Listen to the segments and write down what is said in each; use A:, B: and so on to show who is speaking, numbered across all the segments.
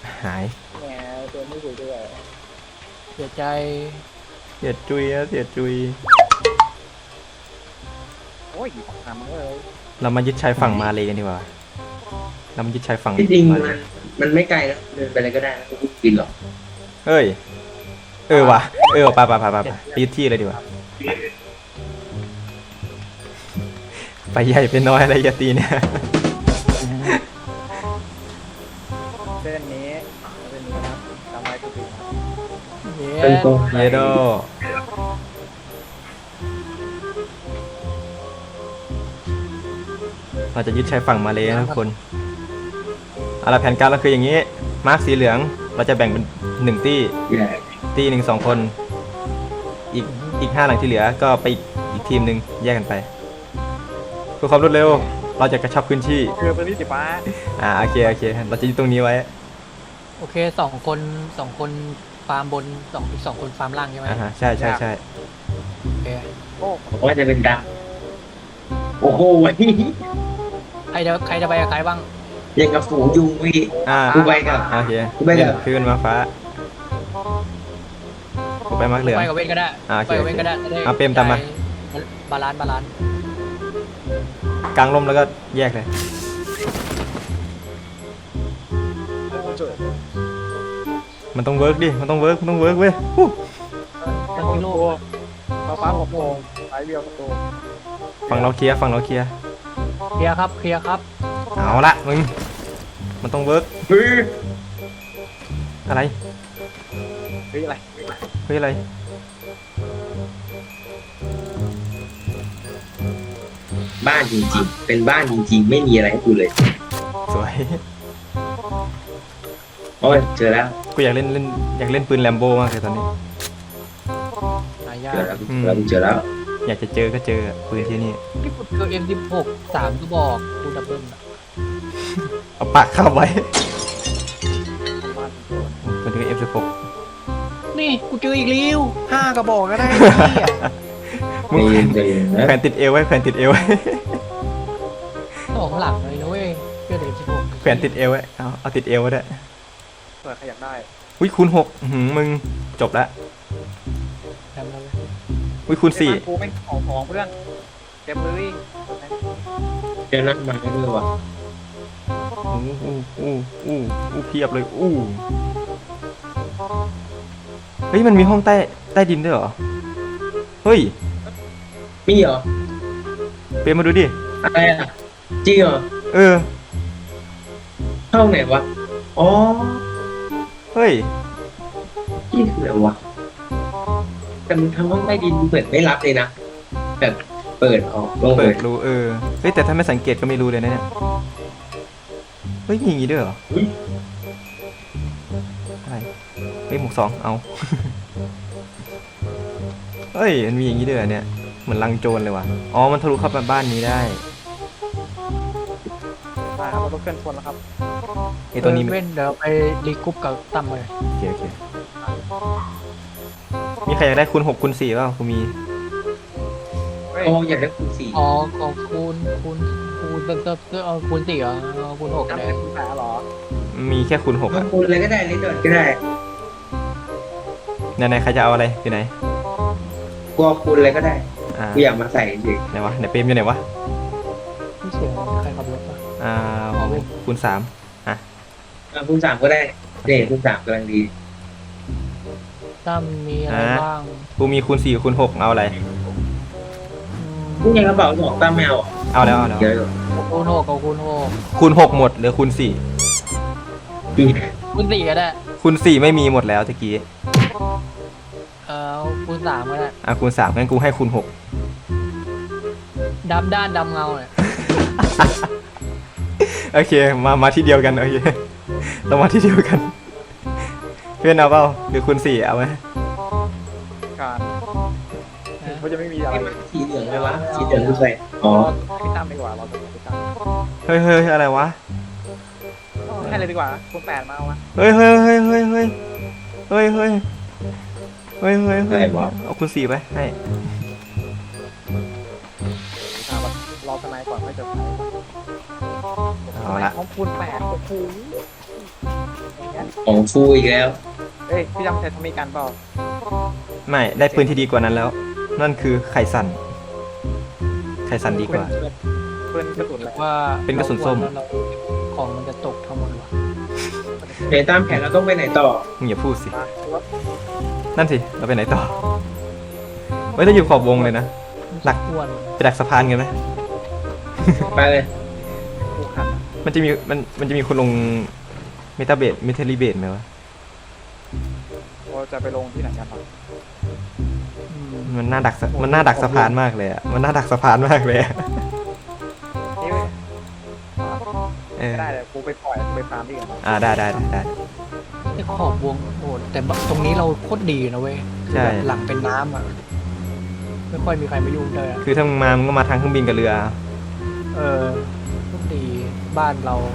A: หาย
B: แหมตัวไม่อยู่ด้วย
C: เสียใจ
A: เสียจุยอะเสียจุย
B: โอ้ยทำเลย
A: เรามายึดชายฝั่งมาเลยกันดีกว่าเรามายึดชายฝั่ง
D: ที่จริง
A: มาเลย
D: มันไม่ไกลนะเดินไปอะไรก็ได้นะไม่กินหรอก
A: เฮ้ยว่ะไปยึดที่เลยดีกว่าไปใหญ่ไปน้อยอะไรอย่าตีเนี่ย
B: เส้นนี้ครับทำไมกูถึง
C: เย้
D: เป็นตัว
A: เยโดเราจะยึดชายฝั่งมาเลยนะทุกคนเอาละแผนการเราคืออย่างนี้มาร์คสีเหลืองเราจะแบ่งเป็น1ตี้หนึ่ง2 คนอีก5 หลังที่เหลือก็ไปอีกทีมหนึ่งแยกกันไปเพื่อความรวดเร็วเราจะกระชับพื้นที่
B: คือเป็นที่สีฟ้า
A: โอเคเราจะยึดตรงนี้ไว้
C: โอเค2 คนฟาร์มบนอีก 2 คนฟาร์มล่างใช่ไหม
A: ใช่
C: โอเค
B: โอ้
D: ว่าจะเป็นดำโอ้โห
C: ใครจะไปกับใครบ้าง
D: ยังกับฝูงยุงพี่กูไปกับ
A: โอเค
D: กูไปกับ
A: ขึ้นมาฟ้ากูไปมาร์คเหลือง
C: ไปกับเว้นก็ได้
A: โอเค
C: ไปกับเว้นก็ได้จะได้
A: เปรมตามมา
C: บาลานซ์
A: กลางร่มแล้วก็แยกเลยมันต้องเวิร์กดิมันต้องเวิร์กเว้ย
C: ตั้งที่โลก
B: ฟ้า6 โมงสายเดียวประตู
A: ฝั่งเราเคลียร์
C: เคลียร์ครับ
A: เอาละมึงมันต้องเวิร์กอะไร
B: เฮ้ยอะไร
A: เฮ้ยอะไร
D: บ้านจริงๆเป็นบ้านจริงๆไม่มีอะไรให้กูเลย
A: สวย
D: โอ้ยเจอแล้ว
A: กูอยากเล่นปืนแลมโบ้มากเลยตอนนี้
C: หายา
D: เจ
C: ก
D: อแล้วเจอแล้ว
A: อยากจะเจอก็เจอปืนที่นี่
C: ที่ผมเจอ M16 3 กระบอกคูดับเบิล
A: เอาปากเข้าไว้มันคือ F16
C: นี่กูเจออีกแล้ว5 กระบอกก็ได้
A: มึง
D: ใจเย็นนะ
A: แขวนติดเอวไว้
C: 2 หลักเลยนะเว้ยเจอเด็ก16
A: แขวนติดเอวไว้เอาติดเอวไว้ด้วย
B: เปิดใครอยากได้
A: อุ้ยคูณ6มึงจบละ
C: ทำแล้วเว้ย
A: อุ้ยคูณ
B: กูเป็นของเพื่อนเต็มเลย
D: เจอนั่นมาด้วยว่ะ
A: อู้เพียบเลยเฮ้ยมันมีห้องใต้ดินด้วยเหรอเฮ้ย
D: มีเหรอ
A: เปมาดูดิ
D: อะไรอ่ะจริงเหรอ ห้องไหนวะอ๋อ
A: เฮ้ย
D: ที่คืออะไรวะแต่มึงทำห้องใต้ดินเหมือนไม่รับเลยนะแบบเปิดออกลง
A: เปิดรูเฮ้ยแต่ถ้าไม่สังเกตก็ไม่รู้เลยนะเนี่ยเฮ้ยมีอย่างงี้ด้วยเหรออะไรเฮ้ยหมวก2เอา เฮ้ยมันมีอย่างงี้ด้วยเหรอเนี่ยเหมือนลังโจรเลยว่ะอ๋อมันทะลุเข้ามาบ้านนี้ได้
B: มาครับเราต้องเคลื่อนชนแล้วครับ
A: ไอตัวนี้
C: เว้นเดี๋ยวไปรีกรุ๊ปกับตั้มเลย
A: โอเคมีใครอยากได้คูณ6คูณ4เปล่ากูมี
D: โอ้อยากได้คูณ4
C: อ๋อของคูณเติมเอาคูณ4เหรอเอาคูณ6
B: ทำ
C: เล
B: เป็
C: ย
B: นคุณแผลหรอ
A: มีแค่คูณ6
D: เอา
A: อ่ะ
D: คูณเลยก็ได้นิดหน่อยก็ได้
A: ไหนใครจะเอาอะไรอยู่ไหน
D: กูเอาคูณเลยก็ได้กูอยากมาใส่เฉย
A: ไหนวะไหนเปรมอยู่ไหนวะ
C: ที่เสียงใครขับรถมา
A: คูณ3
D: คูณ3ก็ได้เนี่ยคูณ3กำลังดี
C: ตั้มมีอะไรบ้าง
A: กูมีคูณ4คูณ6เอาอะไร
D: นี่ยังกระเป๋า2ตั้มแมว
A: เอาแล้ว
D: เยอะอยู่
C: คูณ6กับคูณ6
A: คูณ6หมดเหลือคูณ4
C: คูณ4ก็ได้
A: คูณ4ไม่มีหมดแล้วตะกี้
C: คูณ3ก็ได้
A: คูณ3งั้นกูให้คูณ6
C: ดำด้านดำเงาเนี่ย
A: โอเคมาที่เดียวกันโอเคเรามาที่เดียวกันเพื่อนเอาเปล่าหรือคูณ4เอาไหม
B: การเขาจะไม่มีอะไร
D: สีเหลืองเลยวะสีเหลืองคือใครอ๋อ
B: พี่ตั้มดีกว่าเราจะพี่ตั้ม
A: เฮ้ยอะไรวะ
B: ให้เลยดีกว่าคุณแผลมาเอาวะ
A: เฮ้ยเอาคูณ4ไปให้
B: รอสมัยก่อนไม่จะใช้
A: เอาละ
B: ของคุณแผลโอ้โห
D: ของฟูอีกแล้ว
B: เอ้ยพี่จำใช้ทอมมี่กันเปล่า
A: ไม่ได้ปืนที่ดีกว่านั้นแล้ว นั่นคือไข่สันไข่สันดีกว่า
B: ปืนกระสุนอะไร
C: ว่า
A: เป็นกระสุนส้ม
C: เราของมันจะตกทั้งหมดวะ
D: เดี๋ยวตามแผนเราต้องไปไหนต่อ
A: มึงอย่าพูดสิ
B: มา
A: นั่นสิเราไปไหนต่อไม่ต้องอยู่ขอบวงเลยนะ หลัก
C: อ้วน
A: ไปดักสะพานกันไหม
D: ไปเลย
B: ผูกขัน
A: มันจะมีมันจะมีคนลงเมตาเบสเมทัลลีเบสไหมวะ
B: เราจะไปลงที่ไหนกันบ้าง
C: อืม
A: มันน่าดักมันน่าดักสะพานมากเลยอะมันน่าดักสะพานมากเลยอะ
B: นี่
A: เออ
B: ไม่ได้เลยกูไปปล่อยกูไปฟาร์มที่กัน
A: ได้
C: ไอ้ขอบวงโหดแต่ตรงนี้เราโคตรดีนะเว้ย
A: ใช่
C: แบบหลังเป็นน้ำอ่ะไม่ค่อยมีใครมายุ่งเลยอะ
A: คือถ้ามึงมามึงก็มาทางเครื่องบินกับเรือ
C: เออโคตรดีบ้านเรา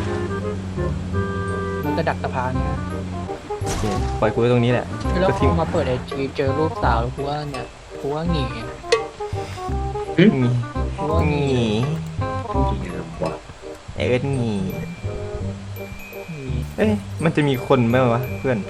C: มันจะดักสะพานเนี่ย
A: โอเคปล่อยกูไว้ตรงนี้แหละ
C: แล้ว
A: ก็ทิ้ง
C: มาเปิดไอจีเจอรูปสาวแล้วกูว่าเนี่ยกูว่าหนี
A: งี
C: กูว่าหนี
A: งีเอิร์ธงี
C: หนี
A: เอ้ยมันจะมีคนไหมวะเพื่อน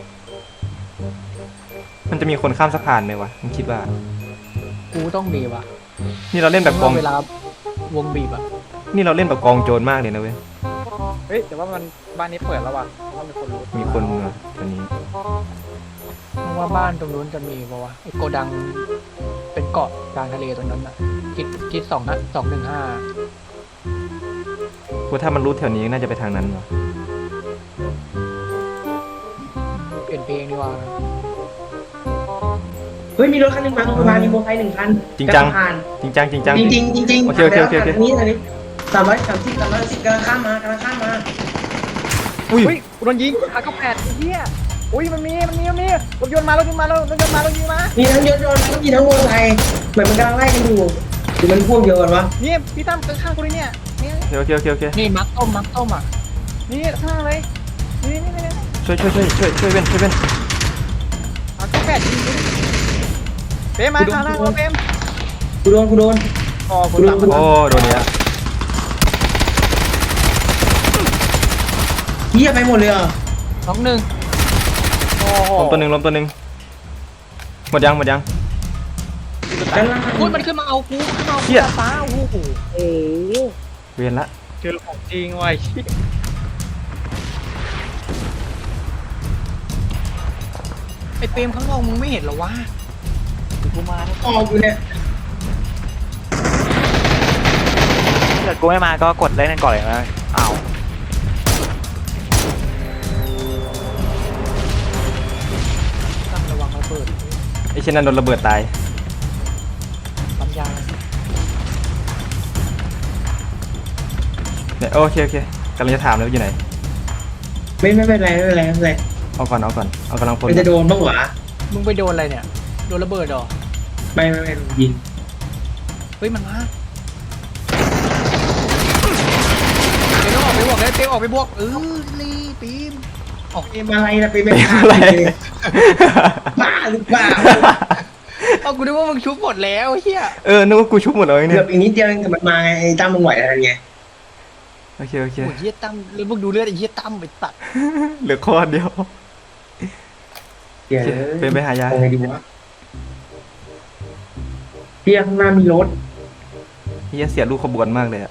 A: มันจะมีคนข้ามสะพานไหมวะมึงคิดว่า
C: กูต้องมีว่ะ
A: นี่เราเล่นแบบกอง
C: เวลาวงบีบอ่ะ
A: นี่เราเล่นแบบกองโจรมากเลยนะเว้ย
B: เฮ้ยแต่ว่ามันบ้านนี้เปิดแล้วว่ะว่ามีคนรู้
A: มีคนมาตอนนี้
C: เพราะว่าบ้านตรงนู้นจะมีป่าวะไอโกดังเป็นเกาะกลางทะเลตรงนั้นอ่ะคิด215
A: กูถ้ามันรู้แถวนี้น่าจะไปทางนั้นวะ
C: เปลี่ยนเพลงดีกว่า
D: เฮ้ยมีรถคันหนึงมาตรงสะพานมีโมอเตอร์ไซค์1 คัน
A: จริงจัง
D: สะพาน
A: จริงจังจริงจัง
D: จริงจริงจริง
A: โอเค
D: ทางนี้330 310กำลังข้ามมากำลังข้ามมา
A: อุ้ย
B: อุ้ยกูโดนยิงR98ไอ้เหี้ยอุ้ยมันมีรถยนต์มารถยิงมา
D: มีทั้งยนต์มีทั้งมอเตอร์ไซค์เหมือนมันกำลังไล่กันอยู่หรือมันพวกเดียวกันวะ
B: นี่พี่ตั้มข้างๆกูเลยเนี่ยเนี่ย
A: โอเค
C: นี่มักต้มอ่ะ
B: นี่ข้างเลยนี่
A: ช่วยเว้น
B: R98ยิงกูดิเฟรมมาข้างล่างเราเฟรม
D: กูโดน
B: อ๋อคุณตาม
A: โอ้โดนเนี้ย
D: เหี้ยไปหมดเลยเหรอ
C: น้องหนึ่ง
B: โอ้โห
A: ล้มตัวหนึ่งหมดยัง
D: ด้านล่าง
C: อุ้ยมันขึ้นมาเอากู
A: เหี้ย
C: ฟ้าโอ้โห
B: โอ้โห
A: เวียนละ
B: เจอของจริงว่ะ
C: ไอเปรมข้างนอกมึงไม่เห็นเหรอวะ
B: กูมาแล้ว
D: ออกอยู่เนี่ย
B: ถ้าเกิดกูไม่มาก็กดเล่นกันก่อนเลยนะอ้าว
C: ตั้งระวังระเบิด
A: ไอ้เช่นนั้นโดนระเบิดตาย
C: ปั๊มยา
A: เนี่ยโอเคกำลังจะถามเลยว่าอยู่ไหน
D: ไม่เป็นไร
A: เอาก่อนเอากำลังพล
D: มันจะโดนบ้างหวะ
C: มึงไปโดนอะไรเนี่ยโดนระเบิดเหรอ
D: ไม่ยิง
C: เฮ้ยมันมาเดี๋ยวต้องออกไปบวกเลยเปรมออกไปบวกรีปีมออก
D: เป็นอะไรนะเป็น
A: อะไร
D: บ้าหรือเปล่า
C: เอากูนึกว่ามึงชุบหมดแล้วเฮีย
A: นึกว่ากูชุบหมดเลย
D: เกื
A: เนี่
D: อย บอีกนิดเดียวกับมันมาไงไอ้ตั้มมึงไหวอะไรไง
A: โอเค
C: โอ้ยเฮียตั้มแล้วมึงดูเลือดไอ้เฮียตั้มไปตัด
A: เหลือข้อเดียว
D: เดี๋ยว
A: เป็นไปหายา
D: เอาไงดีวะเที่ยข้างหน้ามีรถ
A: เฮียเสียลูกขบวนมากเลยอะ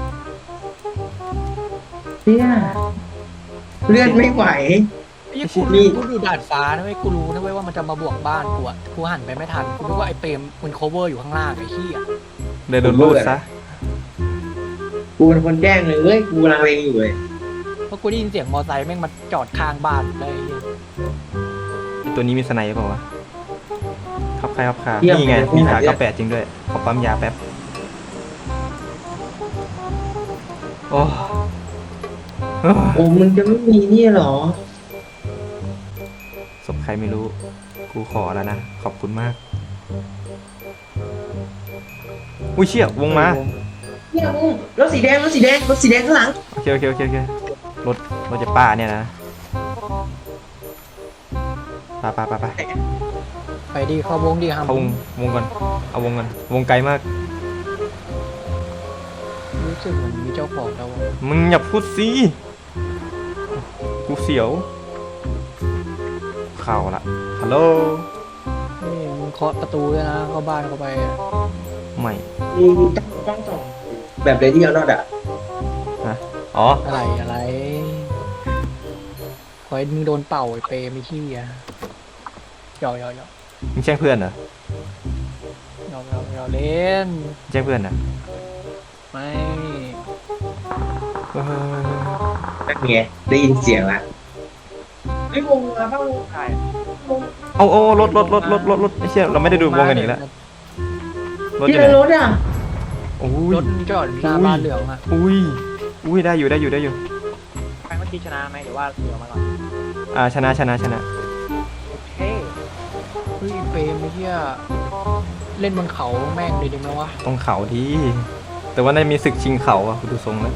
D: เที่ยเลือดไม่ไหว
C: ไอ้เหี้ยกูดูดาดฟ้านะเว้ยกูรู้นะเว้ยว่ามันจะมาบวกบ้านกูอ่ะกูหันไปไม่ทันกูนึกว่าไอ้เปรมมัน cover อยู่ข้างล่างไอ้เหี้ย
A: เลยโดนลูดซะ
D: กูเป็นคนแจ้งเลยกูกำลังเลงอยู่เลย
C: เพราะกูได้ยินเสียงมอไซค์แม่งมาจอดข้างบ้านเลยไอ้เหี้ย
A: ไอ้ตัวนี้มีสไนเปล่าวะครับใครครับขานี่ไงมีขา98จริงด้วยขอปั๊มยาแป๊บโอ้
D: โอ้มึงจะไม่มีนี่เหรอ
A: ศพใครไม่รู้ กูขอแล้วนะ ขอบคุณมาก อุ้ยเชี่ยวงมา
D: เนี่ยมึงรถสีแดงข้างหลัง
A: โอเครถจะป้าเนี่ยนะไป
C: ไปดีเข้าวงดีครับ
A: เข้าวงก่อน เอาวงก่อน วงไกลมาก
C: รู้สึกเหมือนมีเจ้าของแล้วอะ
A: มึงอย่าพูดสิกูกูเสียวเข้าละฮัลโหล
C: นี่มึงเคาะประตูด้วยนะเข้าบ้านเข้าไปอะ
A: ไม่
D: ต้องส่องแบบเรดี้เอานอดอ่ะ
A: อ๋อ
C: อะไรขอให้มึงโดนเป่าไอ้เปรไม่ขี้อ่ะหยอก
A: มึงแช่งเพื่อนเหรอ
C: เล่น
A: แช่งเพื่อนเหรอ
C: ไม่
A: เฮ้ย
D: นั่นไงได้ยินเสียงละไม่วงมาบ้าง
B: ใช่
A: เอารถไอ้เชี่ยเราไม่ได้ดูวงกันอีกแล้วรถอ
D: ที่
A: ยู่ไห
D: ใน
A: น
D: รถอ่ะ
A: โอ้ย
C: รถจอดหน้าบ้านเหลืองอ่ะ
A: อุ้ยได้อยู่
B: ใครเมื่อกี้ชนะไหมหรือว่าเสือมาก่อน
A: ชนะ
B: โอเค
C: เฮ้ยเปรไม่เที่ยเล่นบนเขาแม่งเลยดีไหมวะ
A: ตรงเขาที่แต่ว่าในมีศึกชิงเขาอะคุณดูทรงแล้ว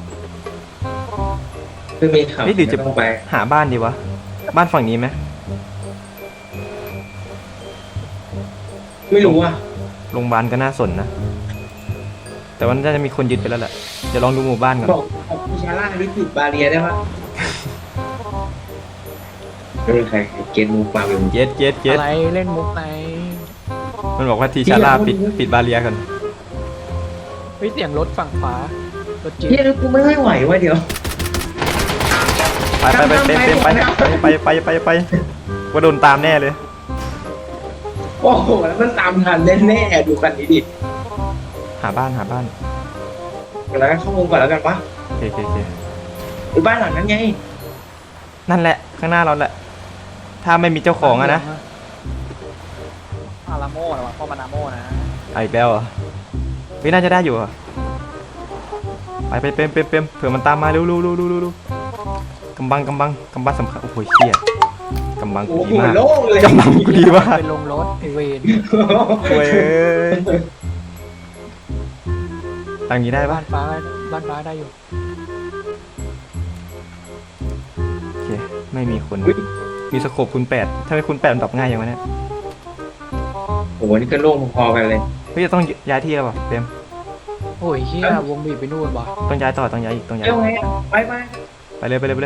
D: คือมีข่าว
A: เฮ้ยหรือจะ
D: ไม่ต้องไป
A: หาบ้านดีวะบ้านฝั่งนี้ไหม
D: ไม่รู้อ่ะ
A: โรงพยาบาลก็น่าสนนะแต่ว่าน่าจะมีคนยึดไปแล้วแหละเดี๋ยวลองดูหมู่บ้านก่อน
D: บอกพิชาร่าหรือปิดบาเรียได้ปะไม่มีใครเก็ตมูฟมาเป็น
A: เย็ด
C: อะไรเล่นมุกไหน
A: มันบอกว่าทีชาร่าปิดบาเรียกัน
C: เฮ้ยเสียงรถฝั่งขวารถจี๊
D: เฮีย
C: ป
D: กูไม่ไหวว่ะเดี๋ยว
A: ไปว่าโดนตามแน่เลย
D: โอ้โหแล้วมันตามทันแน่ๆดูกันนี้ดิ
A: หาบ้าน
D: แล้วเข้าวงก่อนแล้วกันปะ
A: โอเค
D: หรือบ้านหลังนั้นไง
A: นั่นแหละข้างหน้าเราแหละ ถ้าไม่มีเจ้าของอะนะ
B: อาราโม่นะวะพ่อมานาโม่นะ
A: เอาอีกแล้วเหรอเฮ้ยน่าจะได้อยู่อะไปเปมเผื่อมันตามมาเร็วกำบังสำคัญโอ้โหเชี่ยกำบังกู
D: โอ้
A: ดี
D: โห
A: มาก
D: โล่งเลย
A: กำบังกูดีมาก
C: เป็นลงรถไอเวน
A: โว้ยทางนี้ได้ปะ
C: บ้านฟ้าได้อยู่
A: โอเคไม่มีคนมีสโคปคูณ8ถ้าไม่คูณ8มันตอบง่ายอย่างวะเนี่ย
D: โอ้โหนี่ก็โล่งพอๆกันเลย
A: เฮ้ยจะต้องย้ายที่แล้วป่ะเปม
C: โอ้ยเฮียวงบีบไปนู่นวะ
A: ต้องย้ายต่อต้องย้ายอีกต้องย้าย
D: เอ้าไงอะไป
A: ไปเลย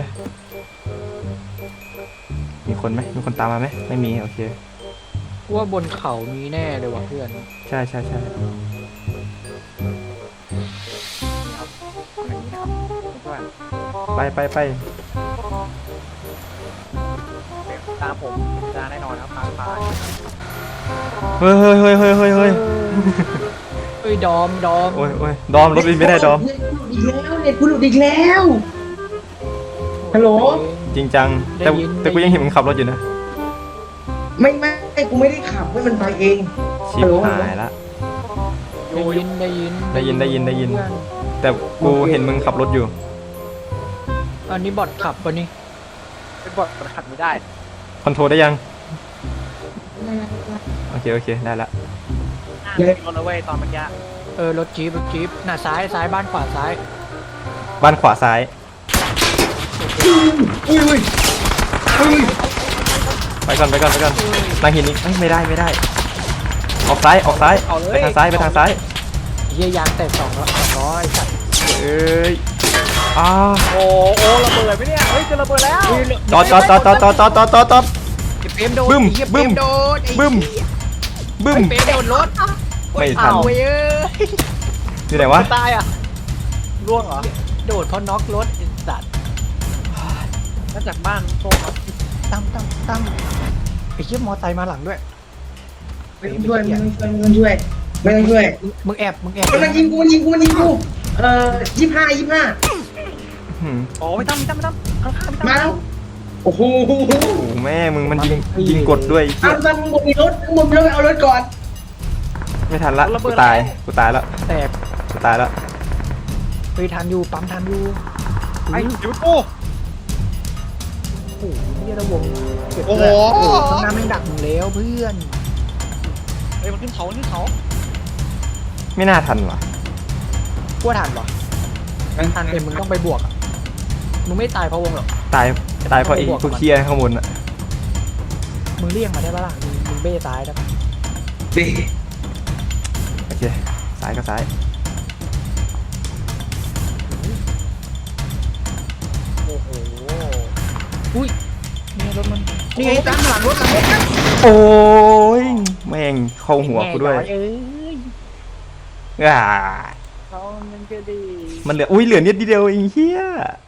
A: มีคนไหมมีคนตามมาไหมไม่มีโอเค
C: ว่าบนเขามีแน่เลยว่ะเพื่อน
A: ใช่
B: อย่างนี้นะครับเพื่อน
A: ไป
B: ตามผมชนะแน่นอนครับพา
A: เฮ้ย
C: เฮ้ยดอม
A: โอ้ยดอมรถบินไม่ได้ดอม
D: อีกแล้วเนี่ยกูหลุดอีกแล้ว ฮัลโหล
A: จริงจังแต่กูยังเห็นมึงขับรถอยู่นะ
D: ไม่กูไม่ได้ขับเว้ยมันไปเอง
A: ชิบหายละ
C: ได้ยิน
A: ได้ยิน
C: เพื่อน
A: แต่กูเห็นมึงขับรถอยู่
C: อันนี้บอทขับปะนี่
B: เป็นบทมันขัดไม่ได้
A: คอนโทรลได้ยังโอเคได้ละ
B: รถเอาไว้ตอนเมื่อกี้
C: รถจี๊ปหน้าซ้ายบ้านขวาซ้าย
A: บ้านขวาซ้าย
D: อุ้ย
A: ไปก่อนนางหินนี้ไม่ได้ออกซ้าย
B: เอาเลย
A: ไปทางซ้าย
C: เฮียยางแตก200สัตว์
A: เอ้ยอ้า
B: โอ้ระเบิดไหมเนี่ยเฮ้ยจะระเบิดแล้ว
A: จอด
C: ไอ้เปรมโดน
A: บึ้ม
C: ไอ้เหี้ยเปรมโดนไอ้
A: บึ้ม
C: ไอ้เปรมโดนรถ
A: ไม่ทัน
C: เอาเว้ย
A: อยู่ไหนวะ
B: ตายอ่ะร่วงเหรอ
C: โดดเพราะน็อกรถไอ้สัตว์
B: มาจากบ้านโซ่ครับ
C: ตั้มไอ้เหี้ยมอไซค์มาหลังด้วย
D: ไม่ต้องช่วย
C: มึงแอบ
D: มันยิงกู25
A: หืม
B: โอ้ไม่ต้องข้างๆไม่ต้อง
D: มาแล้วโอ้โห
A: โอ้โหแม่มึงมันยิงกดด้วย
D: เอาตอนมึงมีรถไปเอารถก่อน
A: ไม่ทันละกูตายแล้ว
C: แตกไปทันอยู่ปั๊มทันอยู่
B: ไอ้หยุดกู
C: โอ้โหเหี้ยระวงเก็บ
B: โอ้โห
C: โอ้ข้างหน้าแม่งดักมึงแล้วเพื่อน
B: เฮ้ยมันขึ้นเขา
A: ไม่น่าทันว่ะ
C: กลัวทันเหรอทันเอ็มมึงต้องไปบวกอ่ะมึงไม่ตายเพราะวงหรอก
A: ตายเพราะไอ้พวกเคียข้างบนอะ
C: มึงเลี่ยงมาได้ปะล่ะมึงเบ้ตายได้ปะ
D: ดิ
A: โอเคซ้ายก็ซ้าย
B: โอ้โห
C: อุ้ยนี่รถมันนี่ไงตามหลังรถ
A: โอ้ยแม่งเข้าหัวกูด้วย
C: เอ้ย
A: อ่า
B: เขามันก็ดี
A: มันเหลืออุ้ยเหลือนิดเดียวเองเฮีย